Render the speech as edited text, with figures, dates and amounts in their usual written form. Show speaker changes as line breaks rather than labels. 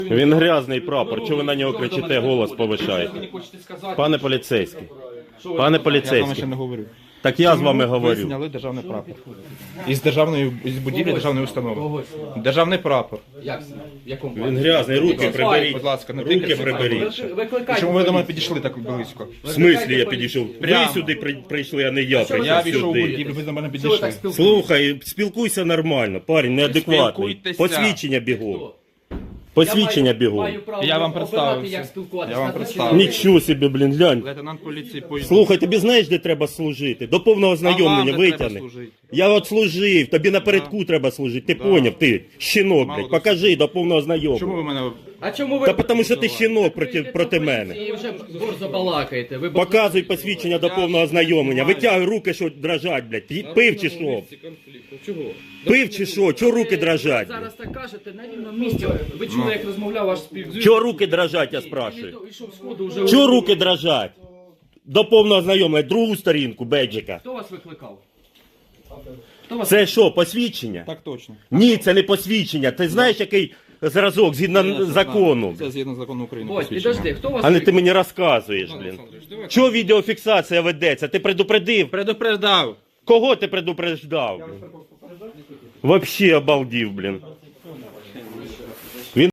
Він грязний прапор, чого ви на нього кричите, голос повишаєте? Пане поліцейський, пане
Я з вами
поліцейський,
ще не говорю.
так я з вами
Ви
говорю.
зняли державний прапор. Із будівлі державної установи. Державний прапор.
Як це? В якому
Він грязний, руки приберіть.
Будь ласка, не
Руки
тикайте.
приберіть.
Викликайте.
Чому ви до мене підійшли так близько?
В смислі я підійшов? Ви
Прямо.
сюди прийшли, а не я
Я
прийшов
війшов у
сюди.
будівлю, ви до мене
Чого ви так
підійшли.
спілкуєтесь?
Слухай, спілкуйся нормально, парень неадекватний.
Спілкуйтеся.
Посвідчення бігом. Посвідчення бігом.
Маю право
Я вам
обирати,
представився.
як спілкуватися.
Я вам
На
представився.
Нічого собі, блін, глянь.
Лейтенант поліції поїзд.
Слухай, тобі знаєш, де треба служити? До повного знайомлення витягни. Я от служив, тобі напередку треба служити, ти поняв, ти щінок, блядь, покажи до повного
Чому ви
знайомлення.
мене...
А чому ви...
Та тому що ти щінок проти мене.
І вже борзо балакаєте. Ви
Показуй посвідчення до повного знайомлення, витягуй руки, що дрожать, блядь, пив чи що? Пив чи що? Чого руки дрожать? блядь?
зараз так кажете на рівному місці. Ви чули, як розмовляв ваш співзвучник?
Чого руки дрожать, я спрашиваю?
Ішов з ходу вже...
Чого руки дрожать? До повного знайомлення, другу сторінку, беджика.
Хто вас викликав?
Це що, посвідчення?
Так точно.
Ні, це не посвідчення. Ти знаєш, який зразок згідно закону?
Це згідно закону України.
Ось,
посвідчення.
підожди, хто вас
А не ти
викликав?
мені розказуєш, блін. Чого відеофіксація ведеться? Ти предупредив?
Предупреждав.
Кого ти предупреждав? Блін? Вообще обалдів, блін.